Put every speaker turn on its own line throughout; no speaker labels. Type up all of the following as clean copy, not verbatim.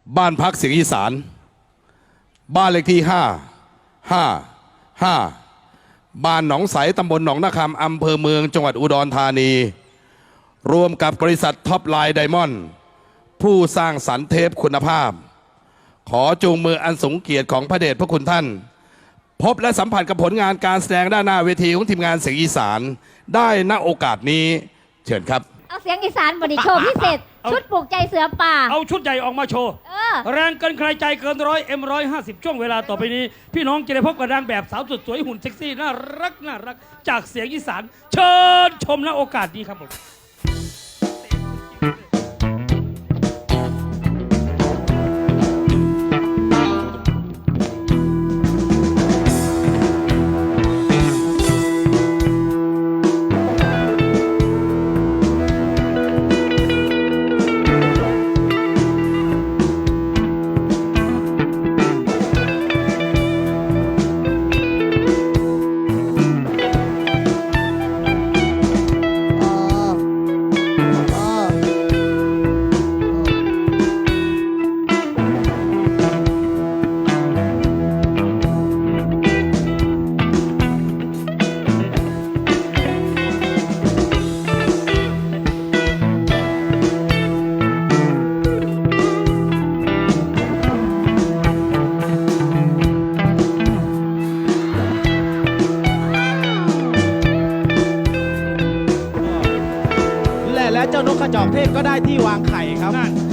บ้านพักเสียงอีสานบ้านเลขที่555บ้านหนองใสตำบลหนองนาคำอำเภอเมืองจังหวัดอุดรธานีรวมกับบริษัทท็อปไลน์ไดมอนด์ผู้สร้างสรรค์เทปคุณภาพขอจูงมืออันสูงเกียรติของพระเดชพระคุณท่านพบและสัมผัสกับผลงานการแสดงด้านหน้าเวทีของทีมงานเสียงอีสานได้ณโอกาสนี้เชิญครับ
เอาเสียงอีสานบริโชว์พิเศษชุดปลูกใจเสือป่า
เอาชุดใหญ่ออกมาโชว์แรงเกินใครใจเกิน100 M150ช่วงเวลาต่อไปนี้พี่น้องจะได้พบกับนางแบบสาวสุดสวยหุ่นเซ็กซี่น่ารักจากเสียงอีสานเชิญชมณโอกาสนี้ครับผม
และเจ้านกกระจอกเทศก็ได้ที่วางไข่ครับ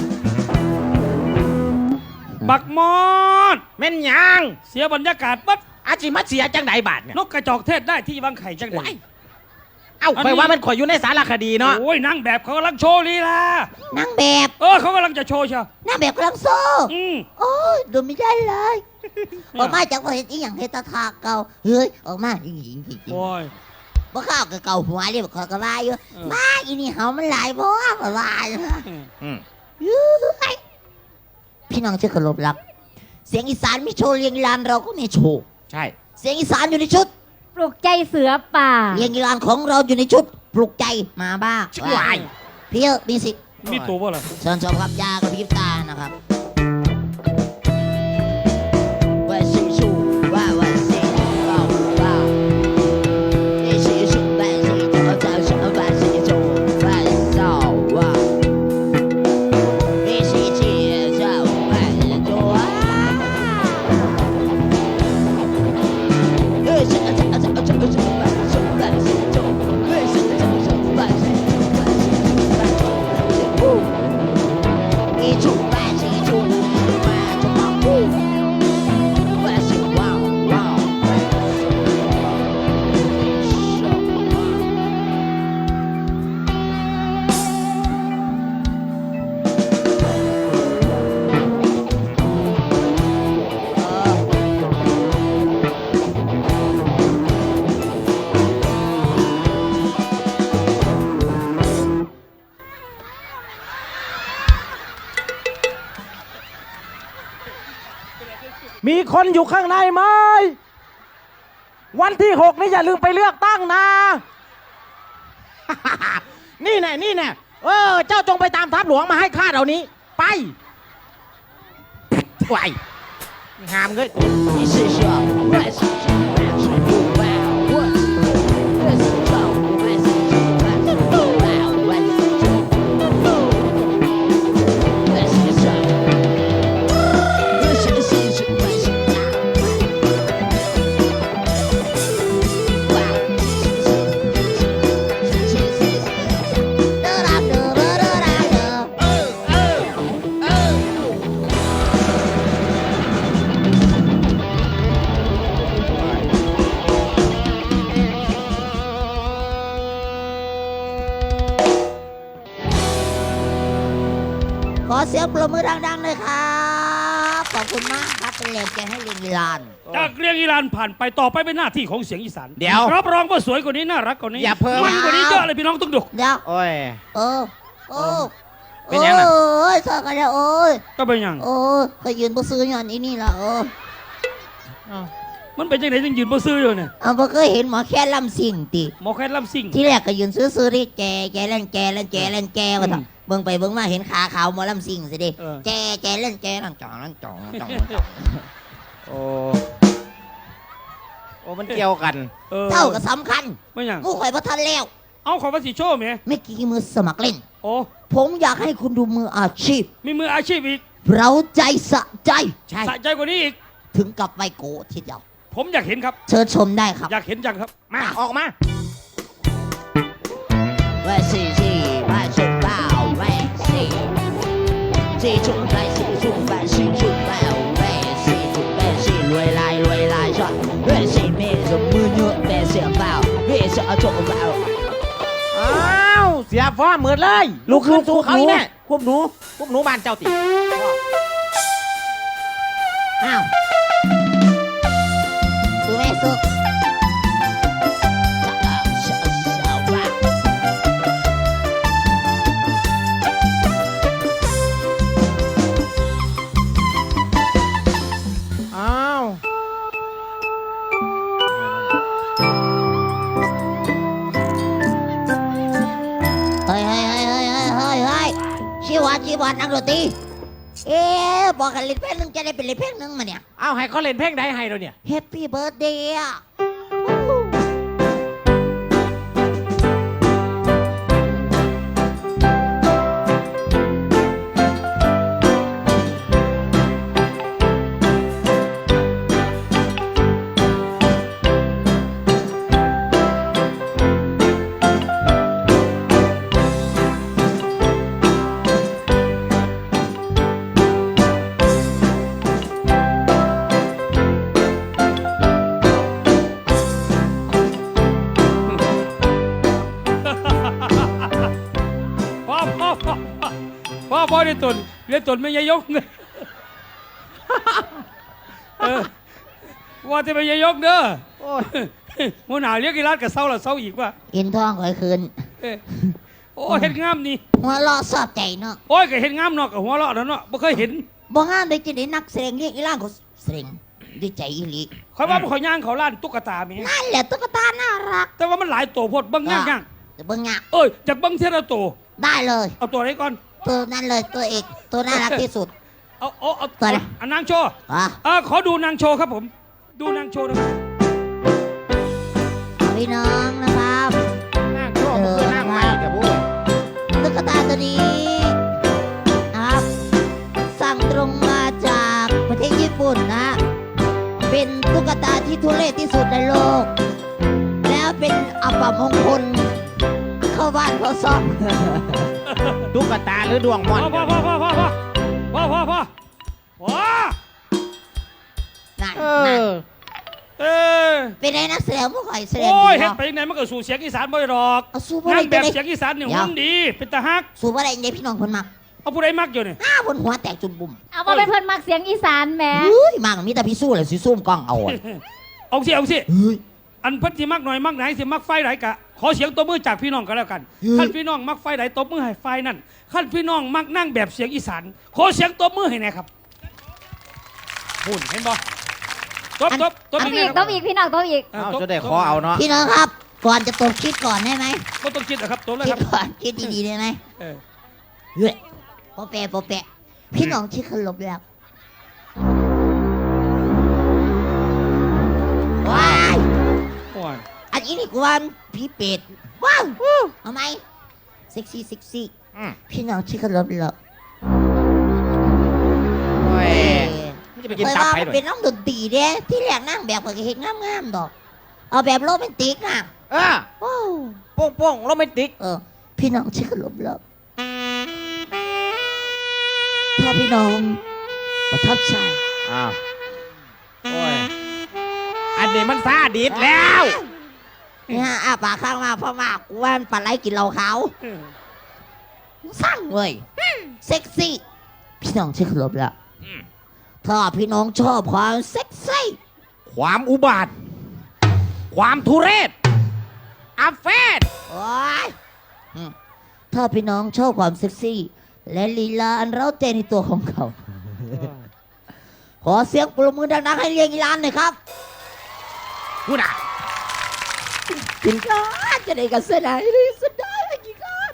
บักมอด
แม่นยัง
เสียบรรยากาศปั๊บ
อาจิมาเสียจังไดบาทเนี่ย
นกกระจอกเทศได้ที่วางไข่จังได
เอ้าไปว่ามันข่อยอยู่ในสารคดีเนาะ
โอ้ยนางแบบเขากำลังโชว์ลีลาน
างแบบ
เขากำลังจะโชว์เชีย
นางแบบกำลังโซ่โอ้ยดูไม่ได้เลยออกมาจากว่าเห็นอีหยังเฮตทาเก่าเฮ้ยออกมาหญิง
โอ้ย
บ่ข้าวกับเก่าหัวเรียบขอกระบายอยู่มาอีนี่เฮามันหลายบ่กระบายพี่น้องที่เคารพรักเสียงอีสานมีโชว์เรียงลานเราก็มีโชว์
ใช่
เสียงอีสานอยู่ในชุดปลุกใจเสือป่าเรียงลานของเราอยู่ในชุดปลุกใจมาบ้า
ช่วย
พี่มีสิ
มีตัวว่าอะไร
เชิญชมครับยากระพริบตานะครับ
มีคนอยู่ข้างในไหมวันที่6นี่อย่าลืมไปเลือกตั้งนะนี่แน่เจ้าจงไปตามทัพหลวงมาให้ข้าเดี๋ยวนี้ไปไหวงามเลย
ขอเสียงปรบมือดังๆเลยครับขอบคุณมากครับเป็นแรงใจให้เรียงอีลาน
จากเรียงอีลานผ่านไปต่อไปเป็นหน้าที่ของเสียงอีสาน
เดี๋ยว
รับรองว่าสวยกว่านี้น่ารักกว่านี้
อย่าเพิ่ม
มันกว่านี้เยอะเลยพี่น้องต้องดู
เดี๋ยว
โอ้ย
เป็นยังไงโอ้ยสอกันแล้วโอ้ย
ก็เป็นยัง
โอ้ยก็ยืนบ่ซื้อย้อนอีนี่ล่ะ
มันเป็นจังไหนจึงยืนบ่ซื้ออยู่เนี่ย
เอาบ่เคยเห็นหมอแค่ลำสิ่งติ
หมอแค่ลำซิ่ง
ที่แรกก็ยืนซื้อๆดิแกเล่นแกว่าเถอะเบิ่งไปเบิ่งมาเห็นขาขาวหมอลำสิ่งสิดิแกเล่นนั่งจ่อง
โอ้โอ้มันเกี่ยวกัน
เท่ากับสำคัญ
ไม่หยัง
งูข่อยบ่ทันแล้ว
เอาขอภาษีโชว์ไหม
ไม่กี่มือสมัครเล่น
โอ้
ผมอยากให้คุณดูมืออาชีพ
มีมืออาชีพอีก
เราใจสะใจ
สะใจกว่านี้อีก
ถึงกับไมโกรธทีเดียว
ผมอยากเห็นครับ
เชิญชมได้ครับ
อยากเห็นจังครับ
มาออกมา
万事气，万事报，万事记住万事住，万事住报，万事住，万事来上，万事没什么牛，万事报，万事做报。
อ้าวเสียฟ้าเหมือนเลยลูกขึ้นสู่เขาอีแม่ควบหนูบ้านเจ้าติ
อ้าวสู้ไหมสู้ว่า
อ้าว
เฮ้ยชีวัตนักดนตรีบอกกันเล่นเพลงหนึ่งจะได้เป็นเล่นเพลงหนึ่งมาเนี่ย
เอาให้เขาเล่นเพลงใดให้เราเนี่ย
Happy Birthday อ่ะ
พ่อได้ตนเรียนตนไม่ยายกเนว่าจะไม่ยายกเด้อ
โอ้ย
หัวหน้าเรียกกีฬากับเศร้าละเศร้าอีกว่า
อินทองข่อยคืน
โอ้เห็นงามนี่
หัวเราะสอบใจเนาะ
โอ้ยก็เห็นงามเนาะกับหัวเราะแล้วเนาะไม่เคยเห็น
บ่งามได้จะได้นักแสดงเรียกอีล่างเขาแสดงด้วยใจอีหลี
คอยว่ามันขอยย่างเขาล้านตุ๊กตาแม่
นั่นแหละตุ๊กตาน่ารัก
แต่ว่ามันหลายตัวโพดเบิ้งย่างย่าง
แต่เบิ่งงะ
เอ้ยจากเบิ้งเท่าตัว
ได้เลย
เอาตัวไหนก่อน
ตัวนั้นเลยตัวเอกตัวน่ารักที่สุด
เอา
ตัวไหน
อันนางโชว์
อ่ะ
ขอดูนางโชว์ครับผม ดูนางโชว์นะครับ
พี่น้องนะครับ
นั่งโชว์มันคือนั่งใหม่แต่พูด
ตุ๊กตาตัวนี้นะครับสั่งตรงมาจากประเทศญี่ปุ่นนะ เป็นตุ๊กตาที่ทุเรศที่สุดในโลก แล้วเป็นอัปมงคลเข้าบ้านเขาซ่อม
ตุ๊กตาหรือดวงมอน
พ่อว้า
นั่น
เอ
นั่น
อ
เออ
เป็นไงนักแสดงผู้ข่อยแสดง
โอ้ย
ดี
เห็น
เนาะ
ไปยังไงมันก็สู่เสียงอีสานบ่อยดอก
เอาสู้บ่
งา
ได้
นแบบ
จะได้
เสียงอีสานเนี่ย
เดี๋ยว
หุ่นดีเป็นตาฮัก
สู้บ่ได้ยังไงพี่น้องคนมัก
เอาผู้ใดมักอยู่เนี่ย
บนหัวแตกจุ่มบุ่ม
เอามาเป็นเพื่อนมักเสียงอีสานแหม
เฮ้ยมักมีแต่พี่สู้เลยสิซุ่มกล้องเอาอะ
เอาสิ
เฮ้ย
อันเพิ่นสิมักหน่อยมักไหนสิมักไฟไหนกะขอเสียงตบมือจากพี่น้องกันแล้วกัน
เฮ้ย
ขั้นพี่น้องมักไฟไหนตบมือให้ไฟนั่นขั้นพี่น้องมักนั่งแบบเสียงอีสานขอเสียงตบมือให้แน่ครับหุ่นเห็นบ่ตบ
ต้อง
อีก
อีก
นะค
ต้
รั
อบ งอีกพี่น้องต้องอีก
เอาจะได้ขอเอาเนาะ
พี่น้องครับ ก่อนจะตบคิดก่อนได้ไหม
บ่ต้องคิดนะครับตบเลย
คิ
ค
ด
รับ
ก่อนคิดดีๆได้ไหม
เออ
เฮ้ยโปะแปะพี่น้องที่เคารพแล้วว้าย
โอ้ย
อันนี้นี่กูว่าพี่เป็ดว้าวเอาไหมเซ็กซี่
อืม
พี่น้องที่เคารพแล้ว
โอ้ย
เอ้ย
มันจะไปกิน
เคย
ตับ
ว่า
ไป
มัน
ด้วย
เป็นน้องดนตรีเด้ที่แรกนั่งแบบก็เห็นงามๆดอก เอาแบบโรแมนติกนะ
เออ
ว้าว
โป้งโรแมนติก
พี่น้องที่เคารพแล้วถ้าพี่น้องประทับใจ
อ้าวโอ้ยอันนี้มันซาดิสแล้ว
เนี่ยปากข้างมาเพราะมากกูว่ามันปลาไหลกินเหล้าขาว
เออ
สร้างเว้ยเซ็กซี่ พี่น้องที่เคารพแล้วถ้าพี่น้องชอบความเซ็กซี่
ความอุบาท ความทุเรศอาเฟน
โอ้ยถ้าพี่น้องชอบความเซ็กซี่ และลีลาอันเร้าใจในตัวของเขา ขอเสียงปรบมือดังๆให้เรียงอีลานหน่อยครับ
พูดอ่ะ
กินข้าวจะได้กันเสียดายเลยสุดได้กินข้าว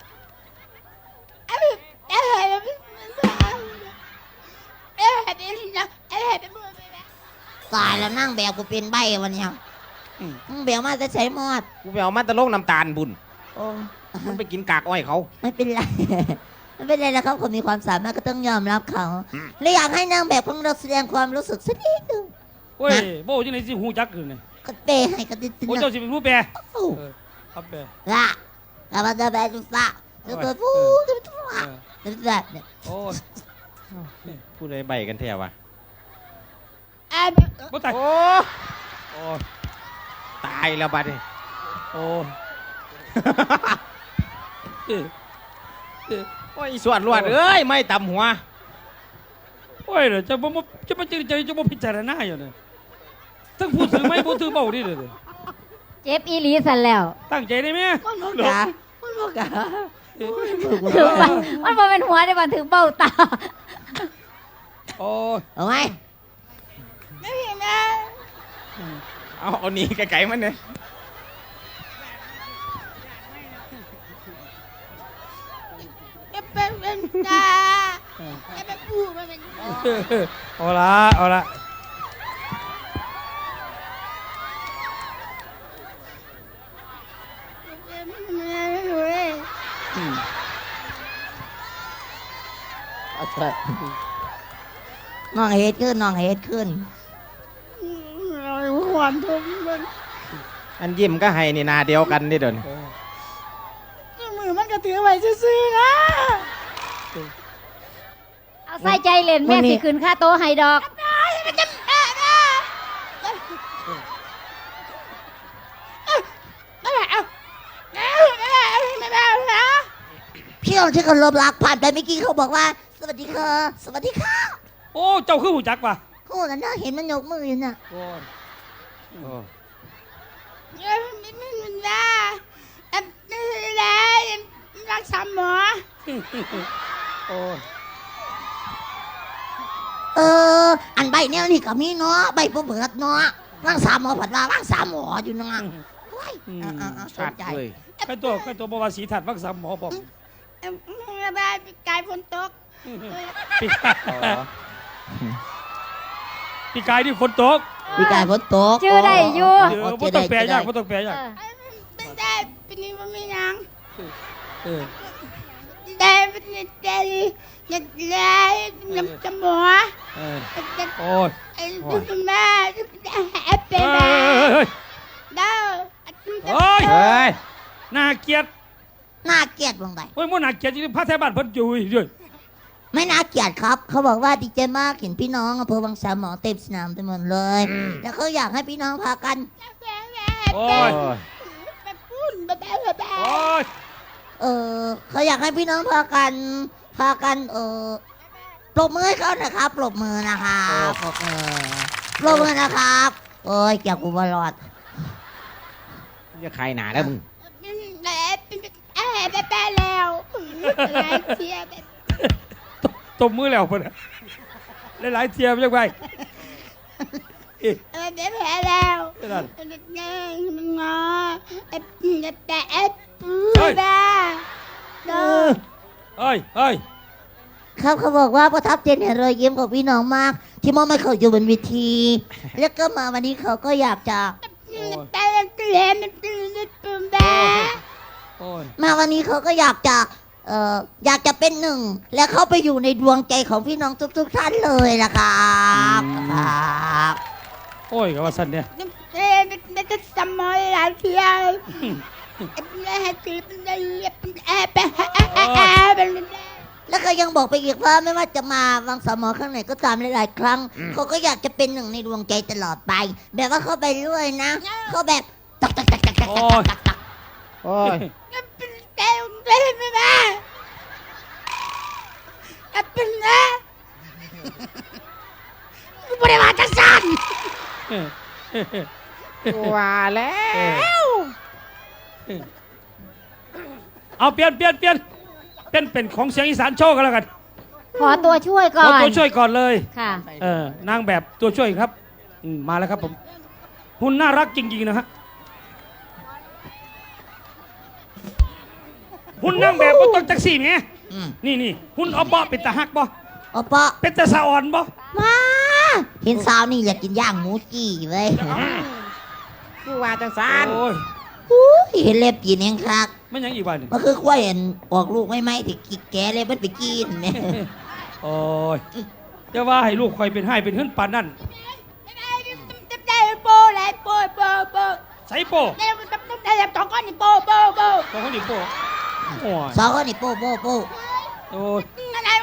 ตายแล้วนั่งแบบกูเป็นใบวันเนี้ยมึงเบลมาจะใช้มอด
กูไปเอามาตะโลกน้ำตาลบุญ
โอ้
มันไปกินกากอ้อยเขา
ไม่เป็นไร ไม่เป็นไรแล้วครับคนมีความสามารถก็ต้องยอมรับเขาและอยากให้นางแบบของเราแสดงความรู้สึกสักนิดหนึง
โอ้ยโบ้ยังไงสิหูจักอยู่เนี่ย
ก็เปย์ให้กันดิ
โอ้ยเจ้าสิเป็นผู้แปล
โอ้
ครับแปล
ละแล้วมันจะแบดูฟ้าจะเปิดฟูจะเป็นฟ้าจะเป็นแบบเนี่ย
โอ้ย
พูดอะไรใบกันแท้วะ
บ่ตาย
โอ้
โอ้ย
ตายแล้วบัดนี้
โอ้ยเออเออ
โอ้ยส่วนรวดเอ้ยไม่ตำหัว
โอ้ยเดี๋ยวจะบ่จะมาจริงใจจะบ่พิจารณาอยู่เนี่ยทั้งพูดถือไม่พูดถือเบาดิเลย
เจ็บอีหลีสันแล้ว
ตั้งใจได้ไหม
มันบอกกะมันบอกกะ
ถือไปมันบ่เป็นหัวได้บ่ถือเบ้าตา
โอ้ย
เอาไหม
เอาหนีไกลๆมันเนี่ย
เอาละเอาละ
เอาเถอะน้องเฮดขึ้นน้องเฮดขึ้น
อันยิ้มก็ให้นี่นาเดียวกันนี่เดิน
มือมันก็ถือไว้ซื่อๆนะ
เอาใส่ใจเล่นแม่สิขึ้นค่าโตะให้ดอก
พี่น้องที่เคารพรักผ่านไปเมื่อกี้เขาบอกว่า สวัสดีค่ะ สวัสดีค่ะ
โอ้เจ้าคือหูจักป่ะ
โอ้นั่นน่ะเห็นมันยกมืออยู่น่ะ
โอ้ย
โอ้
รักษาหมอ
โอ้ย
อันใบแนวนี่ก็มีเนาะใบผู้เบิดเนาะรักษาหมอผัดว่ารักษาหมออยู่เนาะโอ้ยส
ชั
น
ด
ใจ
เลย
ใครตัวบวาสีถัดวักสามหมอบอก
กายฝนตก
ปีกาย
อ๋อ
ปีกายที่ฝนตก
พี่กายฝนตก
ชื่อได้อยู่
เดี๋ยวบ่ต้องแปลยากบ่ต้องแปลยาก
เป็นได้เป็นนี่มันไม่ยัง
เออ
ได้เป็นได้ยังได้น้ำจมูก
เออโอ้ย
ไอ้ดูแม่เป็
เฮ้
นแม่
ย
ดาว
เฮ้ย
เฮ้ย
น่าเกลียด
น่าเกลียดลงไป
โอ้ยมันน่าเกลียดจริงๆพระแท้บ้านเพิ่นอยู่ด้วย
ไม่น่าเกลียดครับ เขาบอกว่าดีใจมากเห็นพี่น้องอำเภอวังสามหมอเต็มสนามไปหมดเลย แล้วเขาอยากให้พี่น้องพากัน
โอ้ย โอ้ย
เขาอยากให้พี่น้องพากันปรบมือให้เขานะครับปรบมือนะครับปรบมือนะครับโอ้ยเกี่ยวกูบอลอด
จะใครหนาแล้วมึง
ตบมือแล้วเพิ่นน่ะหลายๆเทียมยังไงเอ๊ะนั่นเอ้ยเอ้ย
ครับเขาบอกว่าประทับใจในรอยยิ้มของพี่น้องมาก ที่มอบให้เขาอยู่บนเวที แล้วก็มาวันนี้เขาก็อยากจะ
โอ้ย
มาวันนี้เขาก็อยากจะเป็นหนึ่ง และเข้าไปอยู่ในดวงใจของพี่น้องทุกๆท่านเลยนะครับครับ
โอ้ยกับว่าสันเนี่ย
แล้วก็ยังบอกไปอีกว่าไม่ว่าจะมาวังสามหมอข้างไหนก็ตามหลายๆครั้ง เขาก็อยากจะเป็นหนึ่งในดวงใจตลอดไป แบบว่าเข้าไปเรื่อยนะเขาแบบตักตักตักตักตักตักตัก
โอ้ย
บริวารจักสัน
ว่าแล้ว
เอาเปลี่ยนเป็นของเสียงอีสานโชว์กันแล้วกัน
ขอตัวช่วยก่
ข
อ
อน ตัวช่วยก่อนเลย
ค่ะ
นางแบบตัวช่วยครับมาแล้วครับผมหุ่นน่ารักจริงๆนะฮะหุ่นนั่งแบบก็ต้องจักซี่ไง
อืม
นี่หุ่นเอาบ่เป็นตาฮักบ่
โอปะ
เป็นตาสะอ่อนบ่
มาเห็นสาวนี่อยากกินย่างหมูจี้เว้ย
คือว่าจังสาร
โอ้ย
อู้ยเห็นเล็บกินเองครับ
ไม่ยังอีกวันหนึ่ง
มันคือควายเห็นออกลูกไม่ไหมที่กิกแกเลยมันไปกินเนี่ย
โอ้ยจะว่าให้ลูกคอยเป็นให้เป็นหื้นปานนั่นใส่โป้ตัวเขาดิโป้โอ้ย
สองคนนี่โป้โป้โป้
โอ้ย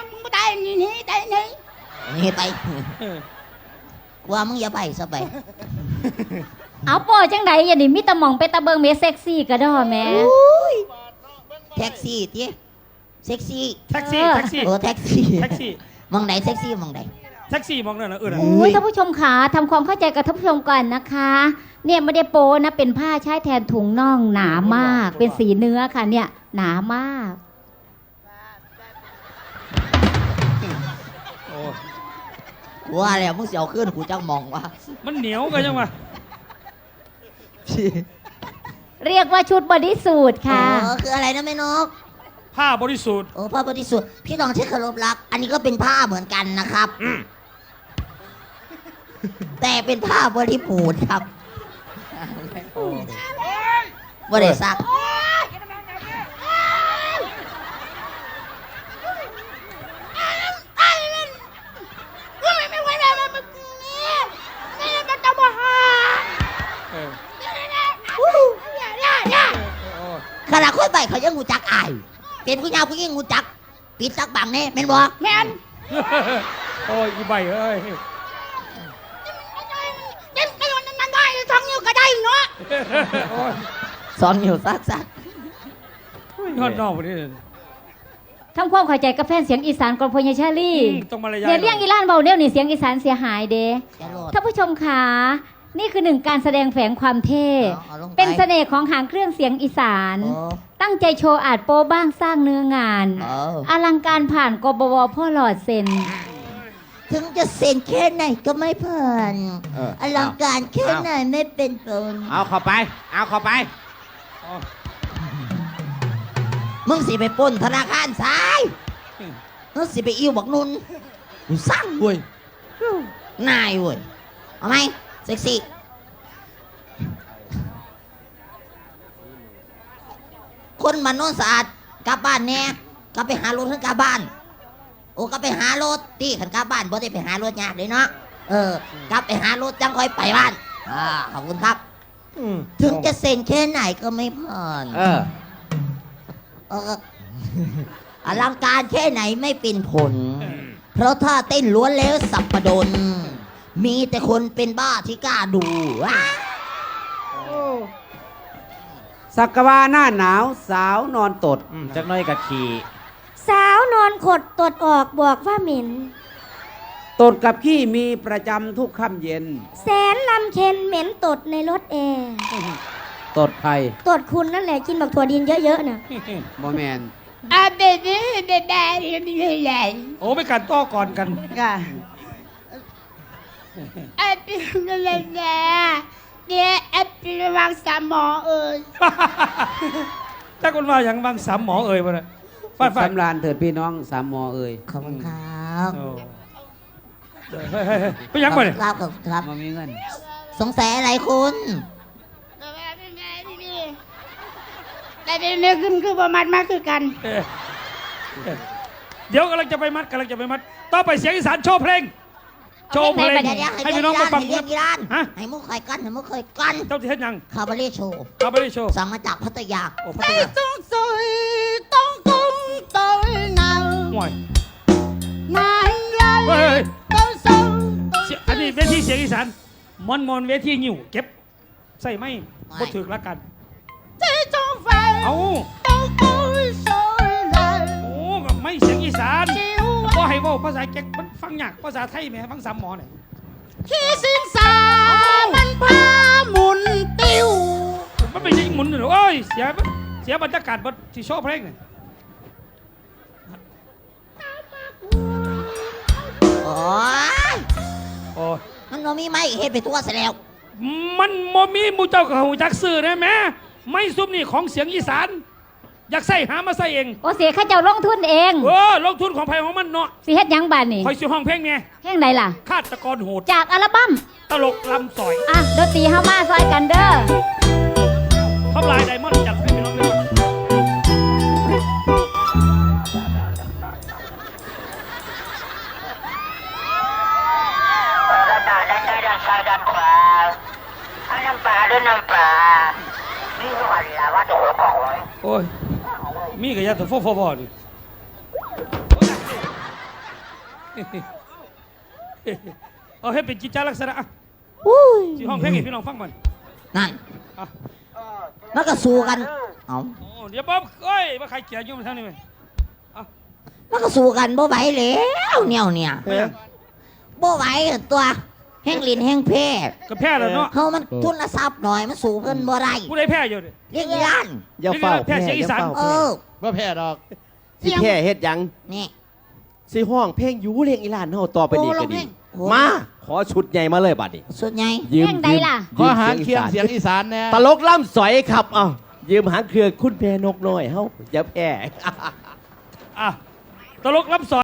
นี่ไป
เออก
ว่ามึงอย่าไปซะไป
เอาโปจังใดอย่านี่มีแตะมองไปตะเบิงเมเซ็กซี่กระดอแหม่
อุ้ยแท็กซี่ทีเซ็กซี่
แท็กซี่แท็กซี่
โอ้แท็กซี่
แท็กซี่
มองไหนเซ็กซี่มองไหน
แท็กซี่มองนั่นนะนะ
อุ้ยท่านผู้ชมขาทำความเข้าใจกับท่านผู้ชมก่อนนะคะ เนี่ยไม่ได้โปนะเป็นผ้าใช้แทนถุงน่องหนามาก เป็นสีเนื้อค่ะเนี่ยหนามาก
โอ้ย
ว่าแล้วมึงเสียวขึ้นกูจังมองว่า
มันเหนียวกันยังวะ
เรียกว่าชุดบอดี้สูทค่ะ
คืออะไรนะแม่นก
ผ้าบริสุทธิ์
โอ้ผ้าบริสุทธิ์พี่น้องที่เคารพรัก อันนี้ก็เป็นผ้าเหมือนกันนะครับ แต่เป็นผ้าบริบูรณ์ครับว่าได้ซัก
เออ
ขณะค่อยไปเขายังงูจักอาย เป็นผู้ยาวผู้ยิ่งงูจัก ปิดซักบังแน่แม่นบ่แม่น
โอ้ยอีใบเอ้ยโอ้ย
สอนอยู่ซัก
ยอดนอกวันนี้
ทำความเข้าใจกับแฟนเสียงอีสานกรพญชาลี
ต้องมารยาท
เนี่ยเรียงอีลานเบาเนี่ยนี่เสียงอีสานเสียหายเด้
จะโลด
ท่านผู้ชมขานี่คือหนึ่งการแสดงแฝงความเท่
เอาลงไป
เป็นเสน่ห์ของหางเครื่องเสียงอีสาน
โอ้
ตั้งใจโชว์อาจโป้บ้างสร้างเนื้องาน
เอา
อลังการผ่านกบวพ่อหลอดเซ็น
ถึงจะเซ็นแค่ไหนก็ไม่ผ่าน อลังการแค่ไหนไม่เป็นผล
เอาเข้าไป เอาเข้าไป
มึงสิไปปล้นธนาคารซ้ายมึงสิไปอิ่วบักนุนกูสั่งเว้ยนายเว้ย เอาไหมเซ็กซี่ คนมันโน้นสะอาดกลับบ้านแน่กลับไปหารถขึ้นกลับบ้าน โอ้กลับไปหารถตีขันกลับบ้านบ่ได้ไปหารถยากเลยเนาะ กลับไปหารถจังค่อยไปบ้าน ขอบคุณครับ ถึงจะเซ็นแค่ไหนก็ไม่ผ่าน
เออ
เอออลังการแค่ไหนไม่เป็นผล เพราะถ้าเต้นล้วนแล้วสับประดน มีแต่คนเป็นบ้าที่กล้าดูว้า
สักกะวาหน้าหนาวสาวนอนตดจักหน้อยกะขี่
สาวนอนขดตดออกบอกว่าเหม็น
ตดกับขี้มีประจำทุกค่ำเย็น
แสนลำเค็นเหม็นตดในรถแอร์
ตดใคร
ตดคุณนั่นแหละกินแบบถั่วดินเยอะๆน่ะ
บอแมน
โอ้ไปกันต่อก่อนกัน ถ้าคนว่าอย่างบางสามหมอเอ่ยมาเลยฟาด
สำราญเถิดพี่น้องสามมอเอ่ย
ขอบคุณครับ
โอ้เฮ้ยไปยังไปเลย
ครับครับ
มามีเงิน
สงสัยอะไรคุณ
แต่เป็นเนื้อขึ้นคือประมาณมากคือกัน
เดี๋ยวกำลังจะไปมัดต่อไปเสียงอีสานโชว์เพลง โชว์เพลง
เดี๋ยวให้
ให้พี่น้องมาฟัง
เรียกกีฬาน
ฮะ
ให้มุกเคยกันให้มุกเคยกัน
เจ้าที่เฮ็ดยัง
คาบาเล่โชว์
เอาไปเลยโชว์
สั่งมาจากพัทยา
โอ้พัทยา
ต้องสวยต้องตุ้งต้องเนา
ห่วย
นายใหญ่
เฮ้ย
ต้องสูง
อันนี้เวทีเสียงอีสานมอนเวทีงิ้วเก็บใส่ไม่บ่ถึกละกัน
ที่จงไฟ
เอา
ต้องตุ้งสวยเลย
โอ้ก็ไม่เสียงอีสาน
จิ๋ว
ก็ให้เว่าภาษาเก็กมันฟังยากภาษาไทยแหม่ฟังสามหมอเนี่ย
ที่สิงสามันพาหมุนติ้ว
มันไม่ใช่หมุนหรอกเอ้ยเสียบรรยากาศบนที่โชว์เพลงเนี่ย
โอ้ย
โอ้
มันก็มีไม้เฮ็ดไปทั่วซะแล้ว
มันโมมีหมูเจ้ากับหูจักซื้อนะแม่ไม่ซุปนี่ของเสียงอีสานอยากใส่หามาใส่เอง
โอเสียข้าเจ้าลงทุนเอง
ลงทุนของไผ่ของมันเนาะ
สิเฮ็ดหยังบานนี่
คอยซื้อห้องเพลงเนี่ย
เพลงใดล่ะ
ฆาตกรโหด
จากอัลบั้ม
ตลกลำสอย
อ่ะดนตรีเฮามาซอยกันเด้อ
ท็อปไลน์ไดมอนด์จัดให้พี่น้องด้วย
ด้านหน้าด้านซ้ายด้านซ้ายด้านขวาเอาน้ำปลาด้วยน้ำปลานี่วันละว่าโดดของไว้
โอ้ยมีกระยาตัวฟอนี่เอาให้เป็นกิจจาลักษณะอ่ะ
อุ้ย
ที่ห้องเพลงให้พี่น้องฟังมัน
นั่น
อ่ะ
มันก็สู้กัน เอา
โอ้เดี๋ยวบ๊อบเอ้ยมาใครเกลียดยุ่งมาทางนี้ไหม
มันก็สู้กันบ่ไหวแล้วเนี่ยบ่ไหวตัวแห้งลินแห้งเพศ
ก็แพ้แล้วเนาะ
เฮามันทุนทรัพย์หน่อยมันสู้เพิ่นบ่ได้
ผู้ใดแพ้อยู่ดิ
เรียกอีหลาน
อย่าเฝ้า
แพร่เสียงอีสาน
เออ
ว่าแพ้ดอก
สิแพ้เฮ็ดหยัง
นี่
สิห้องเพลงอยู่เรียงอีหลานเฮาต่อไปนี้
โอ้
ก็
ร้องเพ
ดี
ลงโอ้
มาขอชุดใหญ่มาเลยบัดนี้
สุดใหญ่
ยืม
เพลงใดล่ะ
ขอหางเคียงเสียงอีสานแน่
ตลกล่ำสอยครับเอ้ายืมหางเครือคุณแพนกน้อยเฮาอย่าแพ้
อ่ะตลกรับสอน